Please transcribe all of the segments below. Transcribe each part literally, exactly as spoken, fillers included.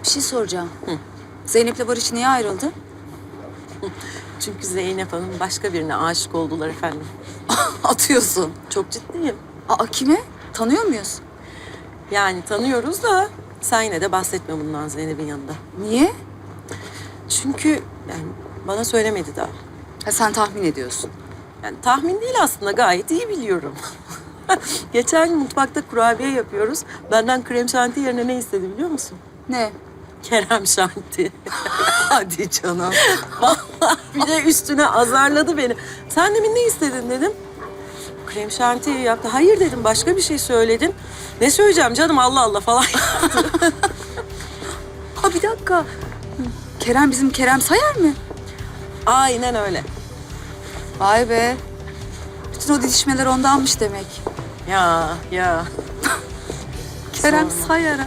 bir şey soracağım. Hı. Zeynep'le Barış niye ayrıldı? Çünkü Zeynep Hanım başka birine aşık oldular efendim. Atıyorsun. Çok ciddiyim. Aa, kime? Tanıyor muyuz? Yani tanıyoruz da sen yine de bahsetme bundan Zeynep'in yanında. Niye? Çünkü yani bana söylemedi daha. Ha, sen tahmin ediyorsun. Yani tahmin değil aslında, gayet iyi biliyorum. Geçen gün mutfakta kurabiye yapıyoruz. Benden krem şanti yerine ne istedi biliyor musun? Ne? Kerem şanti. Hadi canım. Vallahi bir de üstüne azarladı beni. Sen demin ne istedin dedim. Krem şanti yaptı. Hayır dedim, başka bir şey söyledin. Ne söyleyeceğim canım, Allah Allah falan yaptı. Ha, bir dakika. Kerem bizim Kerem Sayar mı? Aynen öyle. Vay be. Bütün o didişmeler ondanmış demek. Ya ya. Kerem Sorma. Sayar'a.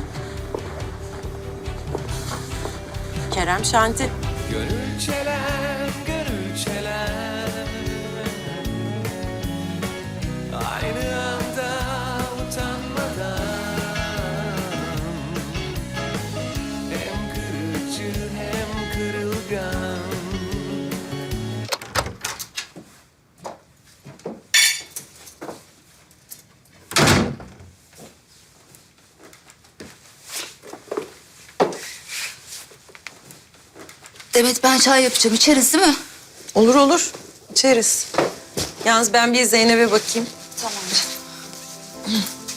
Kerem şanti. Gönül çelen, gönül çelen, aynı anda utanmadan, hem kırıcı hem kırılgan. Demet, ben çay yapacağım. İçeriz değil mi? Olur olur. İçeriz. Yalnız ben bir Zeynep'e bakayım. Tamam canım.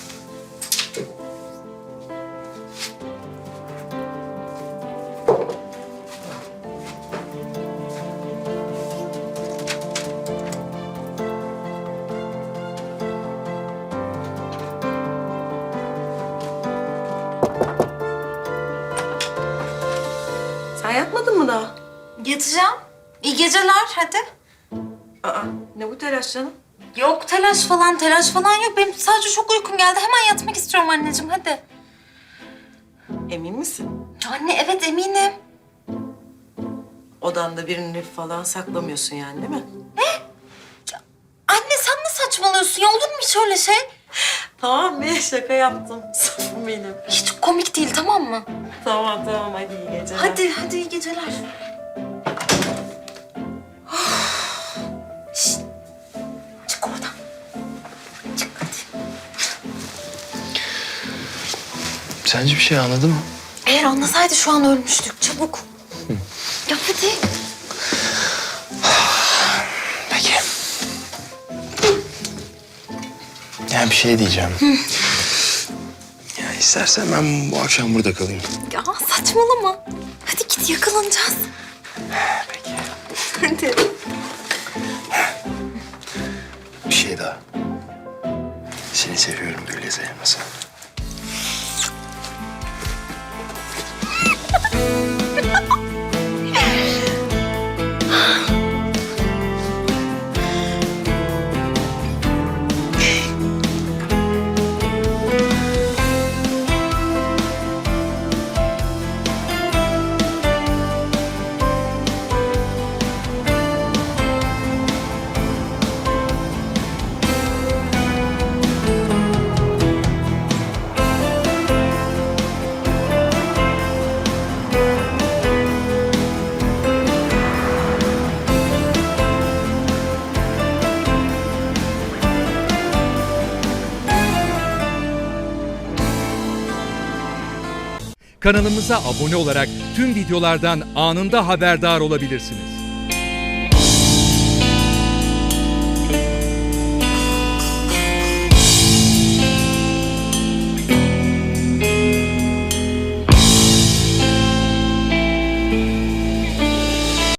Sen yatmadın mı daha? Yatacağım. İyi geceler hadi. Aa, ne bu telaş canım? Yok telaş falan telaş falan yok. Benim sadece çok uykum geldi. Hemen yatmak istiyorum anneciğim hadi. Emin misin? Anne evet eminim. Odanda birini falan saklamıyorsun yani değil mi? Anne sen ne saçmalıyorsun ya? Olur mu hiç öyle şey? Tamam be, şaka yaptım. Safım benim. Hiç komik değil tamam mı? Tamam tamam, hadi iyi geceler. Hadi hadi iyi geceler. Şişt. Çık oradan. Çık hadi. Sence bir şey anladın mı? Eğer anlasaydı şu an ölmüştük. Çabuk. Ya hadi. Peki. Yani bir şey diyeceğim. Ya istersen ben bu akşam burada kalayım. Ya saçmalama. Hadi git yakalanacağız. Peki. Hadi. Bir şey daha. Seni seviyorum Gülizar Elmas'a. Kanalımıza abone olarak tüm videolardan anında haberdar olabilirsiniz.